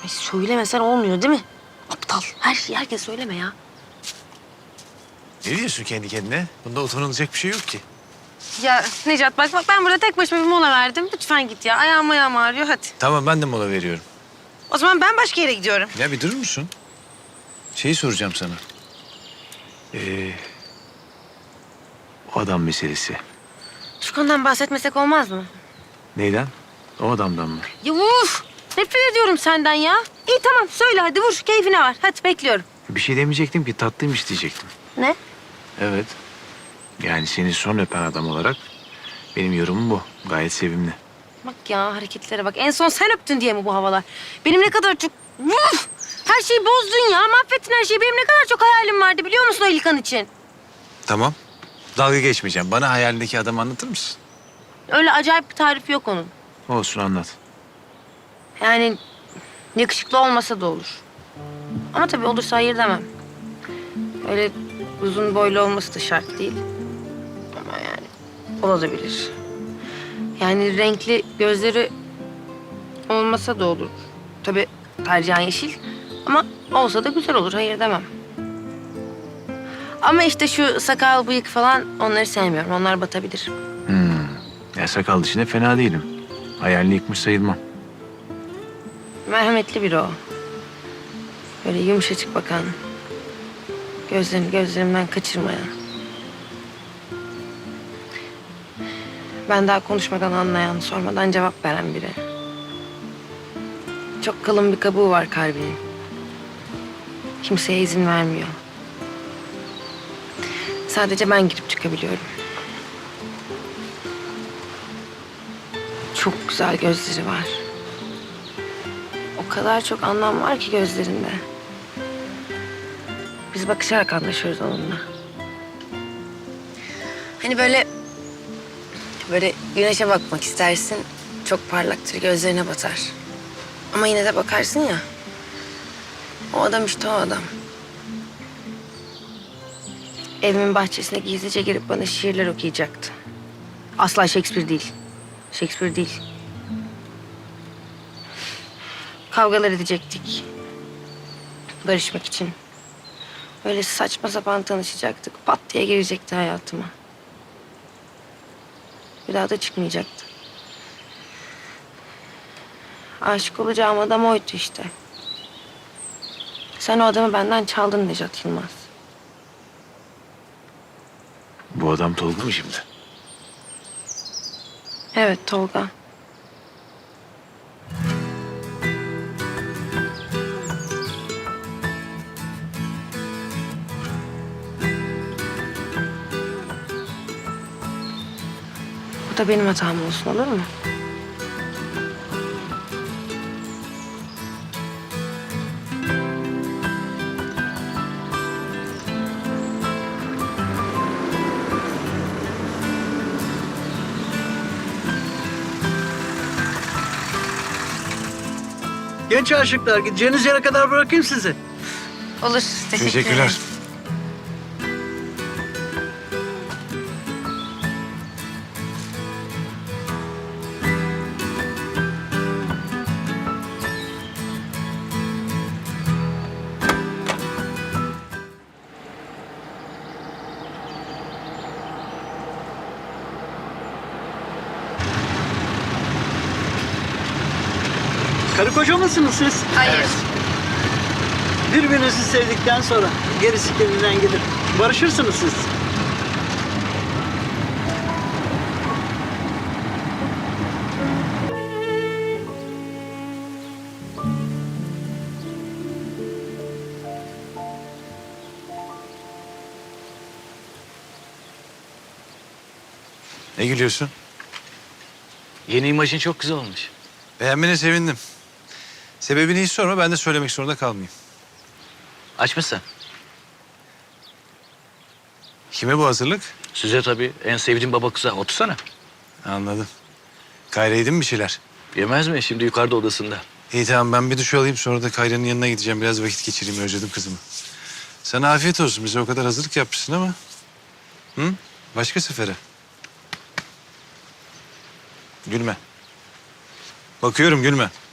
Ay söylemesen olmuyor değil mi? Aptal. Her şeyi herkes söyleme ya. Ne diyorsun kendi kendine? Bunda utanılacak bir şey yok ki. Ya Necat bak ben burada tek başıma bir mola verdim. Lütfen git ya. Ayağım ağrıyor hadi. Tamam ben de mola veriyorum. O zaman ben başka yere gidiyorum. Ya bir durur musun? Şeyi soracağım sana. O adam meselesi. Şu konudan bahsetmesek olmaz mı? Neyden? O adamdan mı? Ya uf! Nefret ediyorum senden ya. İyi tamam söyle hadi vur keyfine var. Hadi bekliyorum. Bir şey demeyecektim ki tatlıymış diyecektim. Ne? Evet. Yani seni son öpen adam olarak benim yorumum bu. Gayet sevimli. Bak ya hareketlere bak. En son sen öptün diye mi bu havalar? Benim ne kadar çok... Uf! Her şeyi bozdun ya. Mahvettin her şeyi. Benim ne kadar çok hayalim vardı biliyor musun o İlkan için? Tamam. Dalga geçmeyeceğim. Bana hayalindeki adamı anlatır mısın? Öyle acayip bir tarifi yok onun. Olsun anlat. Yani yakışıklı olmasa da olur. Ama tabii olursa hayır demem. Öyle uzun boylu olması da şart değil. Ama yani olabilir. Yani renkli gözleri olmasa da olur. Tabii tercihen yeşil. Ama olsa da güzel olur. Hayır demem. Ama işte şu sakal, bıyık falan onları sevmiyorum. Onlar batabilir. Ya sakal dışında fena değilim. Hayalini yıkmış sayılmam. Merhametli biri o. Böyle yumuşacık bakan. Gözlerini gözlerimden kaçırmayan. Ben daha konuşmadan anlayan, sormadan cevap veren biri. Çok kalın bir kabuğu var kalbinin. Kimseye izin vermiyor. Sadece ben girip çıkabiliyorum. Çok güzel gözleri var. O kadar çok anlam var ki gözlerinde. Biz bakışarak anlaşıyoruz onunla. Hani böyle güneşe bakmak istersin. Çok parlaktır, gözlerine batar. Ama yine de bakarsın ya. O adam işte o adam. Evimin bahçesine gizlice girip bana şiirler okuyacaktı. Asla Shakespeare değil. Shakespeare değil. Kavgalar edecektik. Barışmak için. Öyle saçma sapan tanışacaktık. Pat diye girecekti hayatıma. Bir daha da çıkmayacaktı. Aşık olacağım adam oydu işte. Sen o adamı benden çaldın Necat Yılmaz. Bu adam Tolga mı şimdi? Evet Tolga. Bu da benim hatam olsun olur mu? Genç aşıklar, gideceğiniz yere kadar bırakayım sizi. Olur. Teşekkürler. Karı koca mısınız siz? Hayır. Birbirinizi sevdikten sonra gerisi kendinden gelir. Barışırsınız siz. Ne gülüyorsun? Yeni imajın çok güzel olmuş. Beğenmene sevindim. Sebebini hiç sorma ben de söylemek zorunda kalmayayım. Aç mısın? Kime bu hazırlık? Size tabii en sevdiğim baba kıza. Otursana. Anladım. Kayra yedin mi bir şeyler? Yemez mi? Şimdi yukarıda odasında. İyi tamam ben bir duş alayım sonra da Kayra'nın yanına gideceğim. Biraz vakit geçireyim özledim kızımı. Sana afiyet olsun bize o kadar hazırlık yapmışsın ama. Hı? Başka sefere. Gülme. Bakıyorum gülme.